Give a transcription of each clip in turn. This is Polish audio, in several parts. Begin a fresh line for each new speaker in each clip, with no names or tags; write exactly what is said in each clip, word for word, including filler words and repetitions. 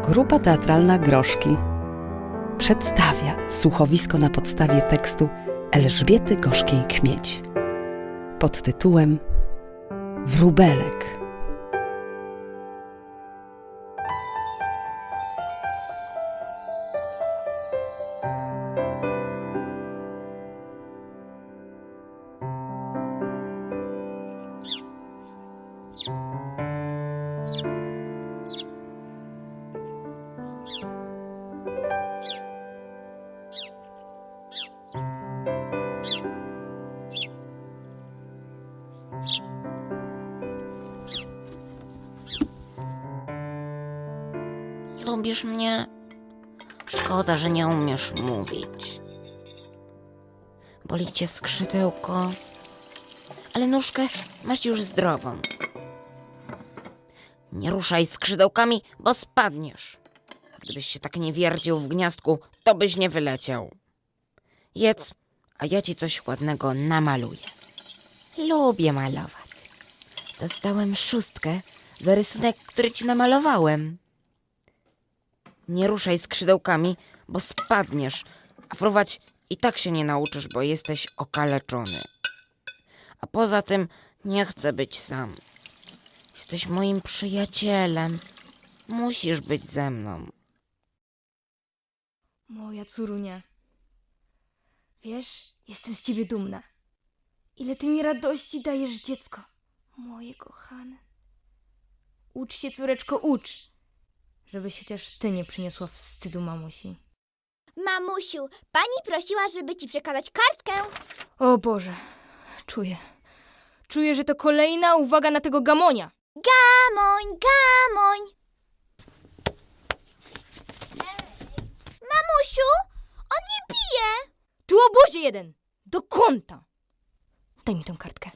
Grupa teatralna Groszki przedstawia słuchowisko na podstawie tekstu Elżbiety Gorzkiej-Kmieć pod tytułem Wróbelek.
Lubisz mnie? Szkoda, że nie umiesz mówić. Boli cię skrzydełko, ale nóżkę masz już zdrową. Nie ruszaj skrzydełkami, bo spadniesz. Gdybyś się tak nie wierdził w gniazdku, to byś nie wyleciał. Jedz, a ja ci coś ładnego namaluję. Lubię malować. Dostałem szóstkę za rysunek, który ci namalowałem. Nie ruszaj skrzydełkami, bo spadniesz, a fruwać i tak się nie nauczysz, bo jesteś okaleczony. A poza tym nie chcę być sam. Jesteś moim przyjacielem. Musisz być ze mną.
Moja córunia, wiesz, jestem z ciebie dumna. Ile ty mi radości dajesz, dziecko, moje kochane. Ucz się, córeczko, ucz, żebyś chociaż ty nie przyniosła wstydu mamusi.
Mamusiu, pani prosiła, żeby ci przekazać kartkę.
O Boże, czuję, czuję, że to kolejna uwaga na tego gamonia.
Gamoń, gamoń. Mamusiu, on mnie bije.
Tu obozie jeden, do kąta. Daj mi tą kartkę.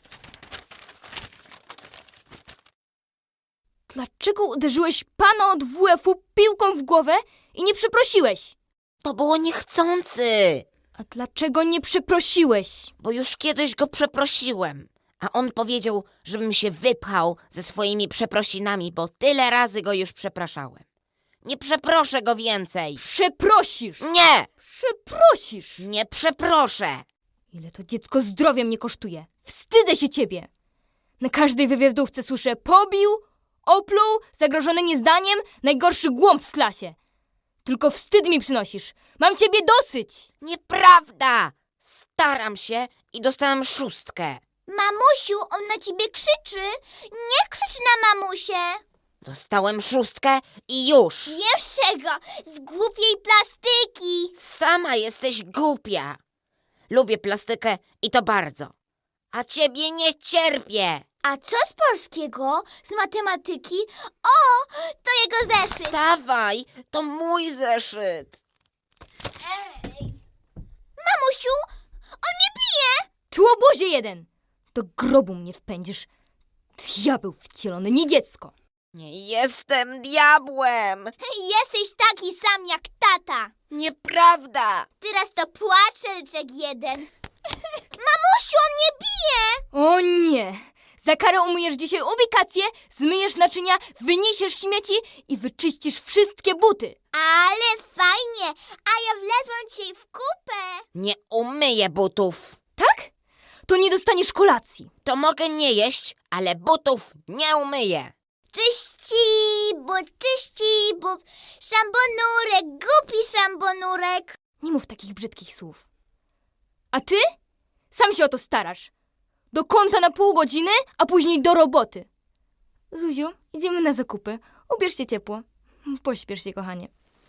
Dlaczego uderzyłeś pana od W F-u piłką w głowę i nie przeprosiłeś?
To było niechcący,
A dlaczego nie przeprosiłeś?
bo już kiedyś go przeprosiłem. A on powiedział, żebym się wypchał ze swoimi przeprosinami, bo tyle razy go już przepraszałem. Nie przeproszę go więcej.
Przeprosisz!
Nie,
Przeprosisz!
nie przeproszę.
Ile to dziecko zdrowia mnie kosztuje? Wstydzę się ciebie! Na każdej wywiadówce słyszę pobił, opluł, zagrożony niezdaniem, najgorszy głąb w klasie. Tylko wstyd mi przynosisz. Mam ciebie dosyć!
Nieprawda. Staram się i dostałem szóstkę.
Mamusiu, on na ciebie krzyczy. Nie krzycz na mamusię.
Dostałem szóstkę i już.
Wiesz czego? Z głupiej plastyki.
Sama jesteś głupia. Lubię plastykę i to bardzo. A ciebie nie cierpię.
A co z polskiego? Z matematyki? O, to jego zeszyt.
Dawaj, to mój zeszyt.
Ej. Mamusiu, on mnie bije.
Tu obozie jeden! Do grobu mnie wpędzisz. Diabeł wcielony, nie dziecko!
Nie jestem diabłem.
Jesteś taki sam jak tata.
Nieprawda.
Teraz to płacze ryczek jeden. Mamusiu, on mnie bije.
O nie! Za karę umyjesz dzisiaj ubikację, zmyjesz naczynia, wyniesiesz śmieci i wyczyścisz wszystkie buty.
Ale fajnie, a ja wlezłam dzisiaj w kupę.
Nie umyję butów.
Tak? To nie dostaniesz kolacji.
To mogę nie jeść, ale butów nie umyję.
Czyści but, czyści but, szambonurek, głupi szambonurek.
Nie mów takich brzydkich słów. A ty? Sam się o to starasz. Do kąta na pół godziny, a później do roboty. Zuziu, idziemy na zakupy. Ubierz się ciepło. Pośpiesz się, kochanie.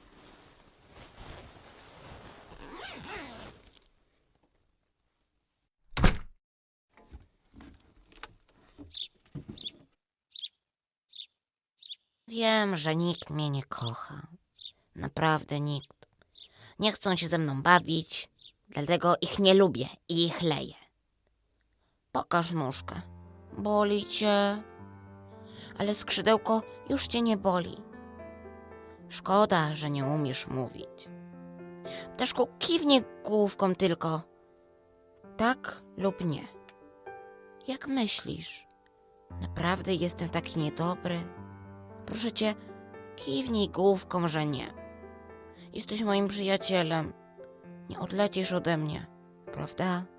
Wiem, że nikt mnie nie kocha. Naprawdę nikt. Nie chcą się ze mną bawić, dlatego ich nie lubię i ich leję. Pokaż nóżkę. Boli cię? Ale skrzydełko już cię nie boli. Szkoda, że nie umiesz mówić. Ptaszku, kiwnij główką tylko. Tak lub nie. Jak myślisz? Naprawdę jestem taki niedobry? Proszę cię, Kiwnij główką, że nie. Jesteś moim przyjacielem. Nie odlecisz ode mnie, prawda?